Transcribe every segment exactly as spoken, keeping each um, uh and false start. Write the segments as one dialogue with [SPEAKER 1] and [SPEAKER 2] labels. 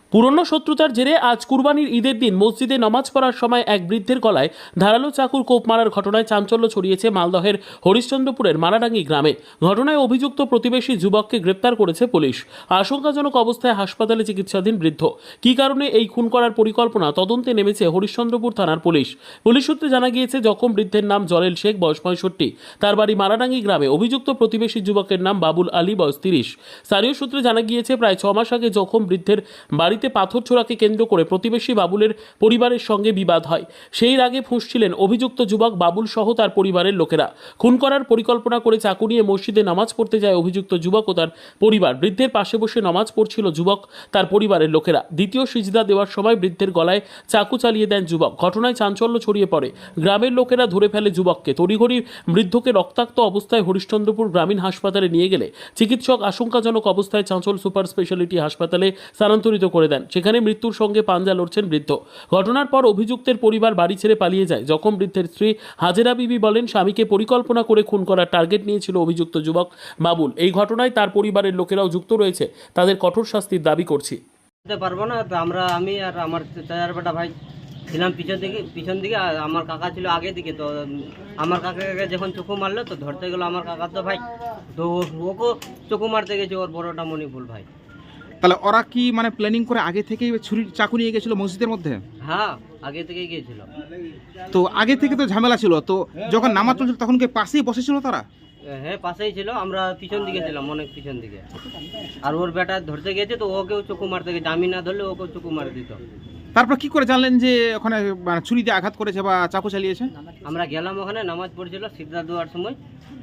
[SPEAKER 1] পুরনো শত্রুতার জেরে আজ কুরবানির ঈদের দিন মসজিদে নামাজ পড়ার সময় এক বৃদ্ধের গলায় ধারালো চাকুর কোপ মারার ঘটনায় চাঞ্চল্য ছড়িয়েছে মালদহের হরিশ্চন্দ্রপুরের মারাডাঙ্গি গ্রামে। ঘটনায় অভিযুক্ত প্রতিবেশী যুবককে গ্রেপ্তার করেছে পুলিশ। আশঙ্কাজনক অবস্থায় হাসপাতালে চিকিৎসাধীন বৃদ্ধ। কী কারণে এই খুন করার পরিকল্পনা তদন্তে নেমেছে হরিশ্চন্দ্রপুর থানার পুলিশ। পুলিশ সূত্রে জানা গিয়েছে, জখম বৃদ্ধের নাম জলেল শেখ, বয়স পঁয়ষট্টি। তার বাড়ি মারাডাঙ্গি গ্রামে। অভিযুক্ত প্রতিবেশী যুবকের নাম বাবুল আলী, বয়স তিরিশ। স্থানীয় সূত্রে জানা গিয়েছে, প্রায় ছ মাস আগে জখম বৃদ্ধের বাড়িতে পাথর ছোড়াকে কেন্দ্র করে প্রতিবেশী বাবুলের পরিবারের সঙ্গে বিবাদ হয়। সেই রাগে ফুঁসছিলেন অভিযুক্ত যুবক বাবুল সহ তার পরিবারের লোকেরা। খুন করার পরিকল্পনা করে চাকু নিয়ে মসজিদে নামাজ পড়তে যায় অভিযুক্ত যুবক ও তার পরিবার। বৃদ্ধের পাশে বসে নামাজ পড়ছিল যুবক তার পরিবারের লোকেরা। দ্বিতীয় সিজদা দেওয়ার সময় বৃদ্ধের গলায় চাকু চালিয়ে দেন যুবক। ঘটনায় চাঞ্চল্য ছড়িয়ে পড়ে। গ্রামের লোকেরা ধরে ফেলে যুবককে। তড়িঘড়ি বৃদ্ধকে রক্তাক্ত অবস্থায় হরিশ্চন্দ্রপুর গ্রামীণ হাসপাতালে নিয়ে গেলে চিকিৎসক আশঙ্কাজনক অবস্থায় চাঁচল সুপার স্পেশালিটি হাসপাতালে স্থানান্তরিত করে দেন। সেখানে মৃত্যুর সঙ্গে পাঞ্জা লড়ছেন বৃদ্ধ। ঘটনার পর অভিযুক্তের পরিবার বাড়ি ছেড়ে পালিয়ে যায়। জখম বৃদ্ধের স্ত্রী হাজেরা বিবি বলেন, স্বামীকে পরিকল্পনা করে খুন করার টার্গেট নিয়েছিল অভিযুক্ত যুবক বাবুল। এই ঘটনায় তার পরিবারের লোকেরাও যুক্ত রয়েছে। তাদের কঠোর শাস্তির দাবি করছি।
[SPEAKER 2] পারবো না তো আমরা আমি আর আমার চাচার বেটা ভাই ছিলাম পিছন দিকে পিছন দিকে আর আমার কাকা ছিল আগে দিকে। তো আমার কাকাকে যখন চোখু মারলো তো ধরতে গেলো আমার কাকা, তো ভাই তো ওকে চোখু মারতে গেছে ওর বড়টা মণিপুর ভাই।
[SPEAKER 3] তাহলে ওরা কি মানে প্ল্যানিং করে আগে থেকেই ছুরি চাকু নিয়ে গেছিল মসজিদের মধ্যে?
[SPEAKER 2] হ্যাঁ, আগে থেকেই গিয়েছিল।
[SPEAKER 3] তো আগে থেকে তো ঝামেলা ছিল, তো যখন নামাজ চলছিল তখন কি পাশেই বসেছিল তারা?
[SPEAKER 2] হ্যাঁ, পাশেই ছিল, আমরা পিছন দিকে ছিলাম, অনেক পিছন দিকে। আর ওর বেটা ধরতে গেছে তো ওকেও চোখু মারতে গেছে, আমি না ধরলে ওকেও চোখু মারে দিত।
[SPEAKER 3] তারপর কি করে জানলেন যে ওখানে মানে ছুরি দিয়ে আঘাত করেছে বা চাকু চালিয়েছে?
[SPEAKER 2] আমরা গেলাম ওখানে, নামাজ পড়ছিল সিজদা দেওয়ার সময়।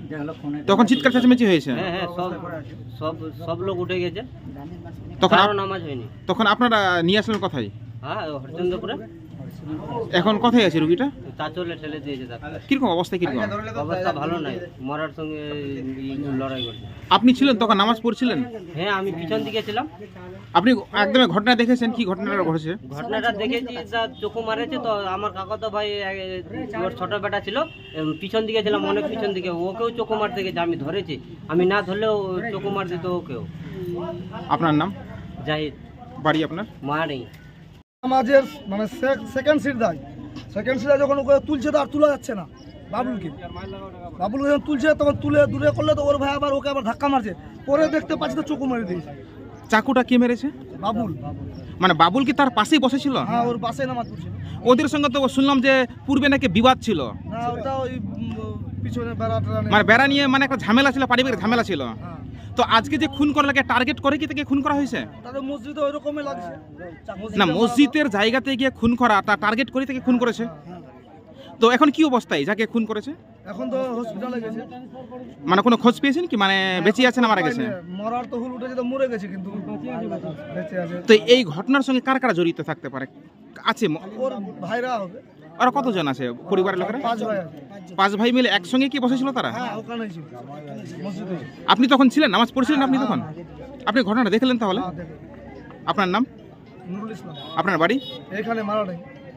[SPEAKER 3] তখন চিৎকার চেঁচামেচি হয়েছে?
[SPEAKER 2] হ্যাঁ হ্যাঁ, সব সব সব লোক উঠে গেছে,
[SPEAKER 3] তখন
[SPEAKER 2] কারো
[SPEAKER 3] আপ-
[SPEAKER 2] নামাজ হয়নি।
[SPEAKER 3] তখন আপনারা নিয়ে আসলেন কোথায়?
[SPEAKER 2] হ্যাঁ, হরিচন্দ্রপুরে
[SPEAKER 3] এখন কোথায় আছে রুগীটা?
[SPEAKER 2] চাচলে ঠেলে দিয়েছে ডাক্তার।
[SPEAKER 3] কিরকম অবস্থা কিরকম?
[SPEAKER 2] অবস্থা ভালো নাই, মরার সঙ্গে ই লড়াই করছে।
[SPEAKER 3] আপনি ছিলেন তখন নামাজ পড়ছিলেন?
[SPEAKER 2] হ্যাঁ, আমি পিছন দিকে ছিলাম।
[SPEAKER 3] আপনি একদম ঘটনা দেখেছেন? কি ঘটনাটা ঘটেছে?
[SPEAKER 2] ঘটনাটা দেখেছি, যা চোখু মারেছে তো আমার কাকা তো ভাই এ, ওর ছোট বেটা ছিল, এম, পিছন দিকে ছিলাম, অনেক পিছন দিকে। ওকেও চোখু মারতে গেছে, আমি ধরেছি, আমি না ধরলেও চোখু মার দিত ওকেও।
[SPEAKER 3] আপনার নাম?
[SPEAKER 2] জাহিদ।
[SPEAKER 3] বাড়ি আপনার?
[SPEAKER 2] মা নেই।
[SPEAKER 4] নামাজের মানে সেকেন্ড সিট দেয়, সেকেন্ড সিটে যখন ওকে তুলছে তো আর তোলা যাচ্ছে না বাবুলকে। বাবুলকে যখন তুলছে তখন তুলে দূরে করলে তো ওর ভাই আবার ওকে আবার ধাক্কা মারছে। পরে দেখতে পাচ্ছি তো চোখু মেরে দিয়েছে।
[SPEAKER 3] চাকুটা কে মেরেছে?
[SPEAKER 4] বাবুল।
[SPEAKER 3] মানে বাবুল কি তার পাশেই বসেছিল?
[SPEAKER 4] হ্যাঁ, ওর পাশে নামাজ পড়ছিল।
[SPEAKER 3] ওদের সঙ্গে তো শুনলাম যে পূর্বে নাকি বিবাদ ছিল।
[SPEAKER 4] না, ওটা ওই উম, পিছনে বেড়াটা
[SPEAKER 3] মানে বেড়া নিয়ে মানে একটা ঝামেলা ছিল, পারিবারিক ঝামেলা ছিল।
[SPEAKER 4] হ্যাঁ,
[SPEAKER 3] তো আজকে যে খুন করার লাগে টার্গেট করে কি তাকে খুন করা হয়েছে?
[SPEAKER 4] তাদের মসজিদে ওই রকমই লাগছে
[SPEAKER 3] না, মসজিদের জায়গাতে গিয়ে খুন করা, তার টার্গেট করে তাকে খুন করেছে। তো এখন কি অবস্থায় যাকে খুন করেছে?
[SPEAKER 4] এখন তো হসপিটালে গেছে।
[SPEAKER 3] মানে কোনো খোঁজ পেয়েছেন কি, মানে বেঁচে আছে না মারা গেছে?
[SPEAKER 4] মরার তো হুল উঠেছে, তো মরে গেছে, কিন্তু বেঁচে আছে।
[SPEAKER 3] তো এই ঘটনার সঙ্গে কার কারা জড়িত থাকতে পারে? আছে ম-
[SPEAKER 4] ওর ভাইরা হবে,
[SPEAKER 3] আর কতজন আছে পরিবারের লোকেরা?
[SPEAKER 4] পাঁচ ভাই আছে।
[SPEAKER 3] পাঁচ ভাই মিলে একসঙ্গে কি বসেছিল তারা?
[SPEAKER 4] হ্যাঁ, ওখানেই ছিল মসজিদে।
[SPEAKER 3] আপনি তখন ছিলেন, নামাজ পড়ছিলেন আপনি তখন? আপনি ঘটনাটা দেখলেন তাহলে?
[SPEAKER 4] হ্যাঁ, দেখো,
[SPEAKER 3] আপনার নাম?
[SPEAKER 4] নুরুল ইসলাম।
[SPEAKER 3] আপনার বাড়ি?
[SPEAKER 4] এখানে মারা নেই।